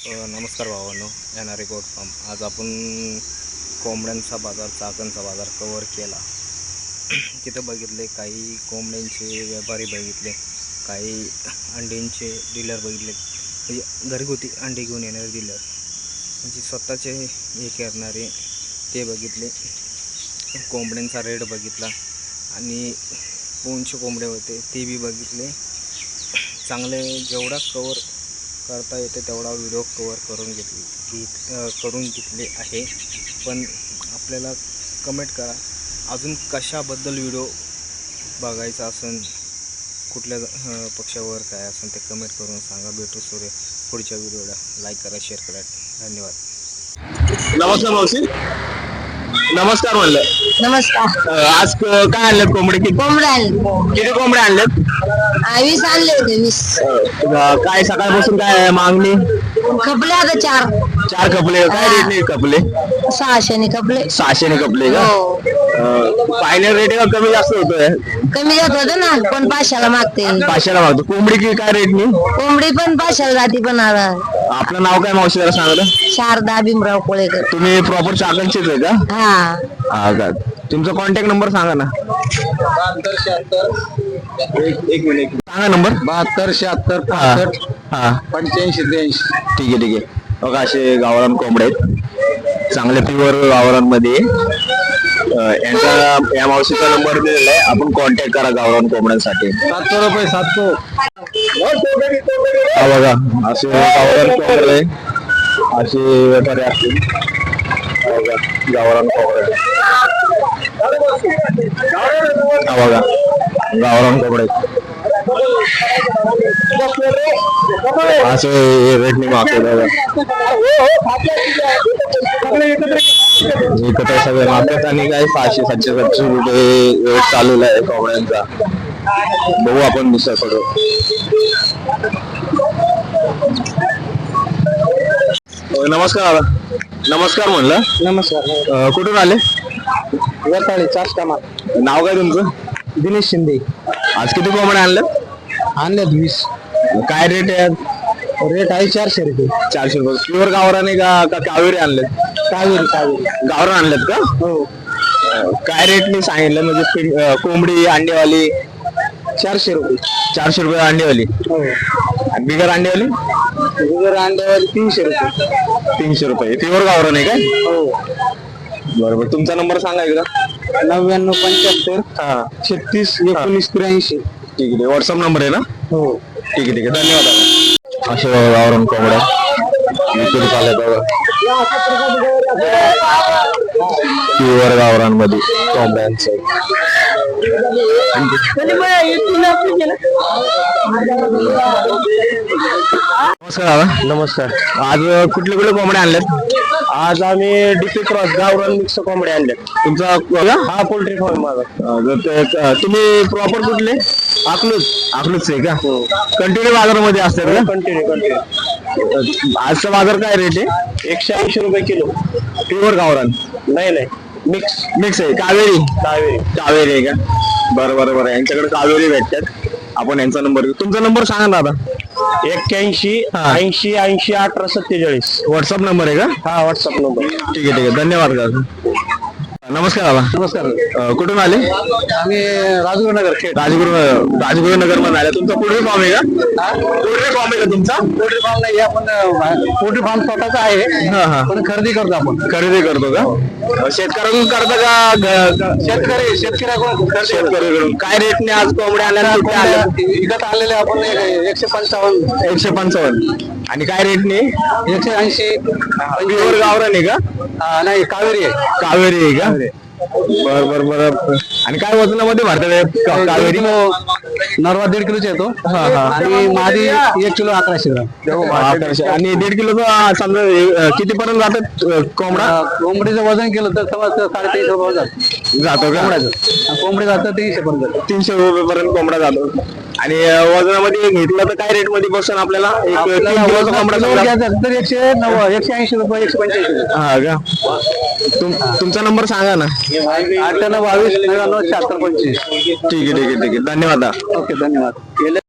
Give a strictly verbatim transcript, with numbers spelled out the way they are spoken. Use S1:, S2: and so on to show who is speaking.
S1: अ, नमस्कार भावांनो, N R goat farm. आज आपण कोंबड्यांचा बाजार, चाकणचा बाजार कवर केला. तिथं बघितले काही कोंबड्यांचे व्यापारी बघितले, काही अंड्यांचे डीलर बघितले, म्हणजे घरगुती अंडे घेऊन येणारे डीलर, म्हणजे स्वतःचे हे करणारे ते बघितले. कोंबड्यांचा रेट बघितला आणि कोणचे कोंबडे होते ते बी बघितले. चांगले जेवढा कवर करता येते तेवढा व्हिडिओ कवर करून घेतली घेत करून घेतले आहे. पण आपल्याला कमेंट करा अजून कशाबद्दल व्हिडिओ बघायचा असेल, कुठल्या पक्षावर काय असेल ते कमेंट करून सांगा. भेटू सूर्य पुढच्या व्हिडिओला. लाईक करा, शेअर करा. धन्यवाद.
S2: नमस्कार मावशी. नमस्कार म्हणलं.
S3: नमस्कार.
S2: आज क- काय आणलेत कोंबडे? किती
S3: कोंबड्या आणले.
S2: किती कोंबडे आणलेत?
S3: आ, वीस आणले होते वीस.
S2: अं, काय सकाळपासून काय मागणी?
S3: कपले आता चार
S2: चार कपले. काय रेट नाही कपले?
S3: सहाशेने कपले.
S2: सहाशे ने कपले का?
S3: हो.
S2: फायनल रेट का कमी जास्त होतोय?
S3: कमी जात होत ना, पण पाचशेला मागते.
S2: पाचशेला मागतो. कोंबडी की काय रेट नाही?
S3: कोंबडी पण पाचशेला जाती. पण आता
S2: आपलं नाव काय मावशी जरा सांगा.
S3: शारदा भीमराव कोळेकर.
S2: तुम्ही प्रॉपर चाकणचेच आहे का?
S3: हा.
S2: हा का? तुमचा कॉन्टॅक्ट नंबर सांगा ना. एक मिनिट सांगा नंबर.
S4: बहात्तर शहात्तर
S2: हा
S4: पासष्ट
S2: हा
S4: पंच्याऐंशी त्र्याऐंशी.
S2: ठीक आहे ठीक आहे. बघा असे गावरान कोंबडे आहेत, चांगले प्युअर गावरांमध्ये. अं, यांचा या मावशीचा नंबर दिलेला आहे, आपण कॉन्टॅक्ट करा गावरान कोंबड्यांसाठी.
S4: सातशे रुपये सातशे.
S2: हा बघा असे गावरान कोंबडे, असे व्यापारी असतील. हा बघा गावरान कोंबडे. हा बघा गावरान कोंबडे असे रेटने मागते बघा. एकत्र सगळे मागतात आणि काय सहाशे सातशे सातशे रुपये रेट चालू आहे कोंबड्यांचा. बघू आपण दुसऱ्या करू. नमस्कार दादा. नमस्कार म्हणलं.
S4: नमस्कार.
S2: अं, कुठून आले?
S4: वताळी चाष्टामा.
S2: नाव काय तुमचं?
S4: दिनेश शिंदे.
S2: आज किती कोंबड्या आणलं?
S4: आणल्यात वीस.
S2: काय रेट आहे?
S4: रेट आहे चारशे रुपये.
S2: चारशे रुपये. प्युअर गावराने का का कावेरी आणले?
S4: कावेरी कावेरी.
S2: गावरान आणलेत का?
S4: हो.
S2: काय रेटने सांगितलं म्हणजे पिं- अं, कोंबडी अंडेवाली?
S4: चारशे रुपये.
S2: चारशे रुपये अंडेवाली.
S4: हो.
S2: आणि बिगर अंडेवाली?
S4: गुजर अंड्यावाली तीनशे रुपये.
S2: तीनशे रुपये. प्युअर गावरान आहे काय?
S4: हो.
S2: बरोबर. तुमचा नंबर सांगा एकदा.
S4: नव्याण्णव पंच्याहत्तर
S2: हा
S4: छत्तीस एकोणीस त्र्याऐंशी.
S2: ठीक आहे. व्हॉट्सअप नंबर आहे ना?
S4: हो.
S2: ठीक आहे ठीक आहे. धन्यवाद दादा. असे बघा गावरान कोंबड्या विक्री चालत बघा. प्युअर गावरांमध्ये कोंबड्यांचं. नमस्कार दादा.
S4: नमस्कार.
S2: आज कुठले कुठले कोंबड्या आणल्यात?
S4: आज आम्ही डीपी क्रॉस गावरान मिक्स कोंबड्या आणल्या.
S2: तुमचा
S4: हा पोल्ट्री फार्म माझा.
S2: अं, जर ते- अं, तुम्ही प्रॉपर कुठले?
S4: अकलूज.
S2: अकलूच आहे का? कंटिन्यू बाजारामध्ये असतात का?
S4: Continue continue.
S2: अं, आजचा बाजार काय रेट आहे?
S4: एकशे ऐंशी रुपये किलो.
S2: प्युअर गावरान
S4: नाही नाही मिक्स.
S2: मिक्स आहे. कावेरी
S4: कावेरी.
S2: कावेरी आहे का? बरं बरं बरं. यांच्याकडे कावेरी भेटतात. आपण यांचा नंबर घेऊ. तुमचा नंबर सांगा ना दादा.
S4: एक्क्याऐंशी
S2: हा.
S4: ऐंशी ऐंशी अठरा सत्तेचाळीस.
S2: व्हॉट्सअप नंबर आहे का?
S4: हा व्हॉट्सअप नंबर.
S2: ठीक आहे ठीक आहे. धन्यवाद दादा. नमस्कार दादा.
S4: नमस्कार.
S2: अं, कुठून आले?
S4: आम्ही राजगुरुनगर खेड.
S2: राजगुरु राजगुरु नगर मध्ये आले. तुमचा पोल्ट्री फार्म आहे का? पोल्ट्री फार्म आहे का तुमचा?
S4: पोल्ट्री फार्म नाही आपण पोल्ट्री फार्म स्वतःचा आहे,
S2: हा हा.
S4: पण खरेदी करतो आपण.
S2: खरेदी करतो का? शेतकऱ्याकडून करता का ग- ग-
S4: शेतकरी शेतकऱ्याकडून खरेदी करतो.
S2: शेतकऱ्याकडून? काय रेटने आज कोंबड्या आल्या? किती आल्या?
S4: विकत आणलेले आपण एकशे पंचावन्न
S2: एकशे पंचावन्न. आणि काय रेटने?
S4: एकशे ऐंशी.
S2: प्युअर गावरान आहे का?
S4: हा, नाही कावेरी आहे.
S2: कावेरी आहे का? बर बर बर. आणि काय वजनामध्ये भरतात का- कावेरी?
S4: नरवा दीड किलोचा येतो.
S2: हा, हा.
S4: आणि मादी एक किलो अकराशे ग्राम.
S2: अकराशे. आणि दीड किलोचा समजा अं, किती पर्यंत जातात अं, कोंबडा?
S4: कोंबडीचं वजन केलं तर तेव्हा ते साडेतीनशे रुपये जातं.
S2: जातो का?
S4: कोंबड्याचं कोंबडी जातं तीनशे पर्यंत जातं.
S2: तीनशे रुपये पर्यंत कोंबडा जातो. आणि अं, वजनामध्ये घेतलं तर काय रेट मध्ये बसून आपल्याला? एक
S4: आपल्याला
S2: तीन किलोचा
S4: वजनात
S2: कोंबडा
S4: किलो
S2: समजा.
S4: घ्यायचं असेल तर एकशे नव्वद एकशे ऐंशी रुपये एकशे पंच्याऐंशी.
S2: हा का? तुम- तुमचा नंबर सांगा ना.
S4: अठ्ठ्याण्णव बावीस नव्याण्णव शहात्तर पंचवीस.
S2: ठीक आहे ठीक आहे ठीक आहे. धन्यवाद.
S4: ओके धन्यवाद.